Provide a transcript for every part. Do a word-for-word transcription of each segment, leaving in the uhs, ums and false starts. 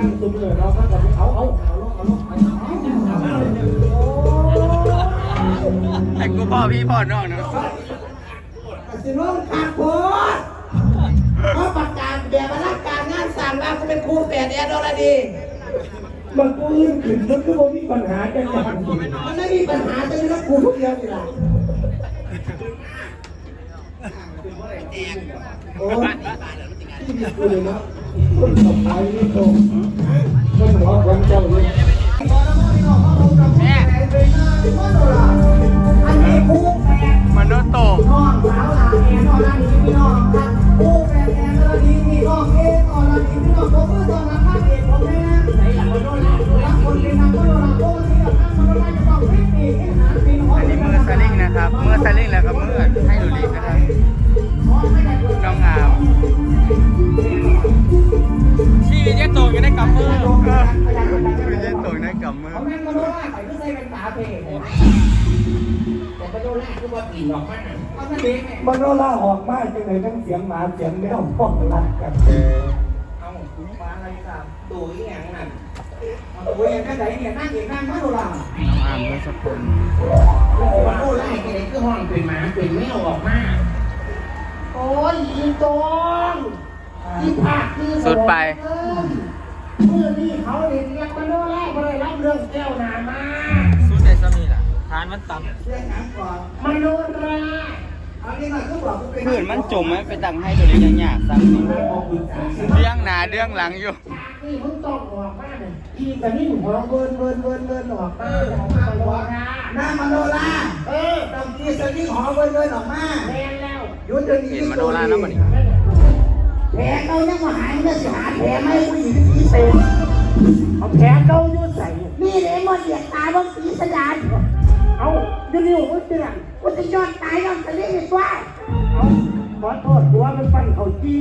งตุ้มเลยเราก็จะเอาเอาเอาลงเอาลงไอ้กูพ่อพี่พ่อน้องเนาะสิน้องขาดโพดเขาประกาศแบบราชการงานสั่งว่าเขาเป็นครูแฝดแอดอลดีมันกูอื่นขึ้นมันก็บ่มีปัญหาจังอย่างมันไม่มีปัญหาจะมีนักครูทุกเดียวนี่แหละโอ้ยที่มีกูเลยนะคนต่อไปนี่ตรงคนหัวคนเจ้าเลยแม่อันนี้ครูแฝดมันโดนโตน้องสาวหลานแอนอลดีพี่น้องครับครูแฝดแอนอลดีพี่น้องเอ็นอลดีพี่น้องผมเพื่อตอนรับข้าเอกผมแม่ไหนอยากมาโดนหลานรักคนเป็นนักโดนหลานโอ้ยที่แบบนั้นมันไม่ต้องรีบหนีให้หาปีนหัวอันนี้มือสลิงนะครับมือสลิงแล้วก็มือให้ดูลิงนะครับน้องงามชีวิตยังโตอยู่ในกำมือชีวิตยังโตอยู่ในกำมือเขาแม่งมาโดนล่าใส่ก็ใส่เป็นตาเพลแต่มาโดนล่าคือว่าปีนออกมาเอาซะเด็กเนี่ยมันก็ล่าออกมาจังเลยทั้งเสียงหมาเสียงแมวพ้องรัดกันเอาคุณฟ้าอะไรครับตัวอย่างนั้นตัวอย่างนั้นไหนเนี่ยนั่งเองนั่งมาโดนล่าน้องอามก็สกุลมาโดนล่าแกเลยคือห้องเป็นหมาเป็นแมวออกมาโอ้ยยิงตรงยิงผักคือสุดไปเมื่อนี่เขาเรียกมาโดนล่ามาเลยรับเรื่องแก้วนามาสุดในสมีล่ะทานมันต่ำเรื่องน้ำก่อนมาโดนล่าอันนี้มันก็บอกเป็นผื่นมันจมไหมไปตั้งให้ตัวเล็กยังยากสั่งนี่เรื่องหนาเรื่องหลังอยู่นี่มึงต้องออกมาเนี่ยอีแต่นี่หัวเวินเวินเวินเวินออกมาออกมาหัวหน้ามาโดนล่าเออต้องกีสนี่หัวเวินเวินออกมาแรงแล้วยุติเห็นมาโดนล่าแล้วมันแผลเขายังมาหายเมื่อสิหาแผลไม่ผู้หญิงที่เป็นเอาแผลเขายุดใส่นี่เลยมันเหยียดตายบางปีสยามเอาดูดิว่าเตือนว่าจะยอดตายยังจะเรียกว่าเอาขอโทษหัวมันปั่นเขาจี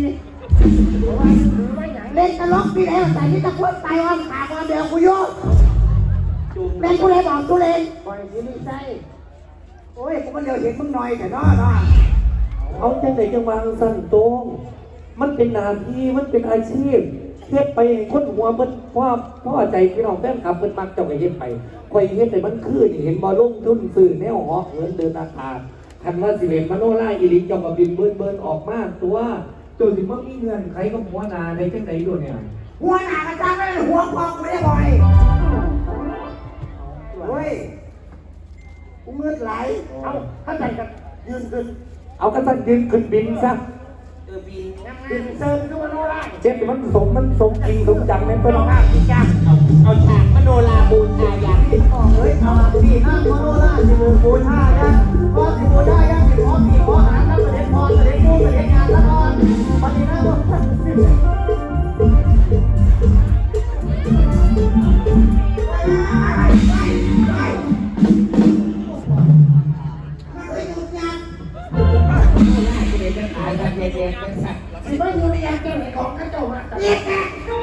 เล่นตลกพี่แล้วแต่นี่ตะคุ่นตายอ้อมขาอ้อมเดียวกูโยกเล่นกูเลยบอกกูเล่นปล่อยที่นี่ใช่โอ้ยกูมันเดียวเห็นมึงหน่อยแต่น้อน้อเอาจังไหนจังวางสั่นตรงมันเป็นนาทีมันเป็นอาชีพเฮ็ดไปคนหัวมันว่าพ่อใจพี่น้องแฟนคลับมันมักจะไปเฮ็ดไปคอยเฮ็ดแต่มันคือเห็นบอลลงทุนสื่อแนวหอเหินเดินอาคารคันว่าสิเลนมโนล่าอีลิจอมกับบินเบิร์นเบิร์นออกมาตัวตัวสิมันมีเงินใครก็หัวนาในจังไหนด้วยเนี่ยหัวหน้ากระจายไม่ได้หัวพองไม่ได้บ่อยเฮ้ยกูเงือดไหลเอาถ้าใจกันยืนขึ้นเอากระสันยืนขึ้นบินซะเออบินบินเซิร์ฟดูมโนราเจ็บมันสมมันสมจริงสมจังในเพื่อนเราห้าพี่จ้าเอาเอาฉากมโนราบูชายันอ๋อเฮ้ยเอาพี่ห้ามโนราสิบูชายันพอสิบูชายันสิพอพี่พอหาถ้าประเด็นพอประเด็นดูประเด็นงานละนอนวันนี้นะว่าสิไม่อยู่ในยามเจ้าไหนของกระโจมอ่ะเนี่ยแก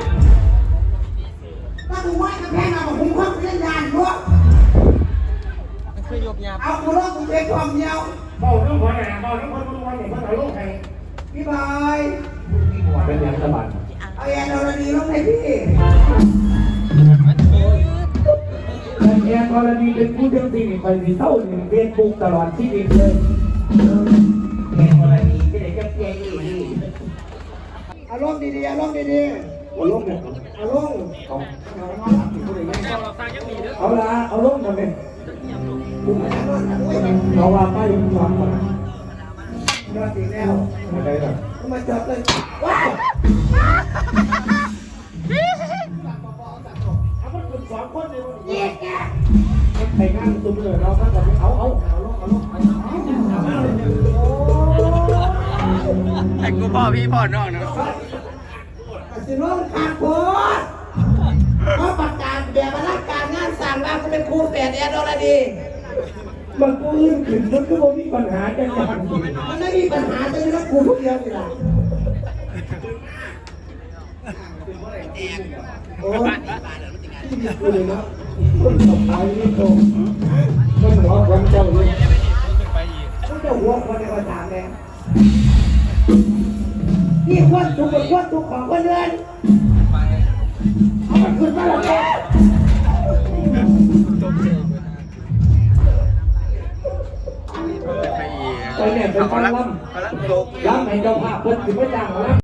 ถ้ากูไหว้กระแพงเอาผมควักเล่นยานรั้วมันคือยกยาเอากูร้องกูเป็นความเดียวเบาต้องหัวหน้าเบาต้องคนทุกวันเนี่ยมันเอาลูกใครพี่บอยเป็นยังสบายเอาแอนอรดีลงให้พี่แอนอรดีเป็นผู้เรื่องสิ่งคอยสีเท่าหนึ่งเรียนปลูกตลอดชีวิตเลยแอนอรดีที่ไหนจะเพียงอีกอารมณ์ดีๆอารมณ์ดีๆเอาลงเนี่ยเอาลงเอาเอาละเอาลงทำไมเอาว่าป้ายยังฟังก่อนยอดดีแล้วอะไรล่ะมาจับเลยว้าวเอามันกลุ่มสองคนเลยเย้แกไปงานตุ้มเลยเราก็จะเอาเอาเอาลงเอาลงไอ้กูพ่อพี่พ่อน้องเนาะสิน้องขาดโพดเขาประกาศแบบราชการงานสั่งว่าเขาเป็นครูแฝดแอดอลดีมันกูอื่นขึ้นมันก็บ่มีปัญหาจังอย่างมันไม่มีปัญหาจะมีนักครูทุกเดียวนี่แหละโอ้ยที่มีกูเลยนะคนต่อไปนี่ตรงคนหัวคนเจ้าเลยเขาจะหัวคนในภาษาแม่นี่ควรทุกข์ควรทุกข์ของคนเดินเอาตอนนี้เป็นเขาฟังละล่เขาละโตำล่ำให้เจ้าภาพเพิ่นสิบ่จ้างหมอลำ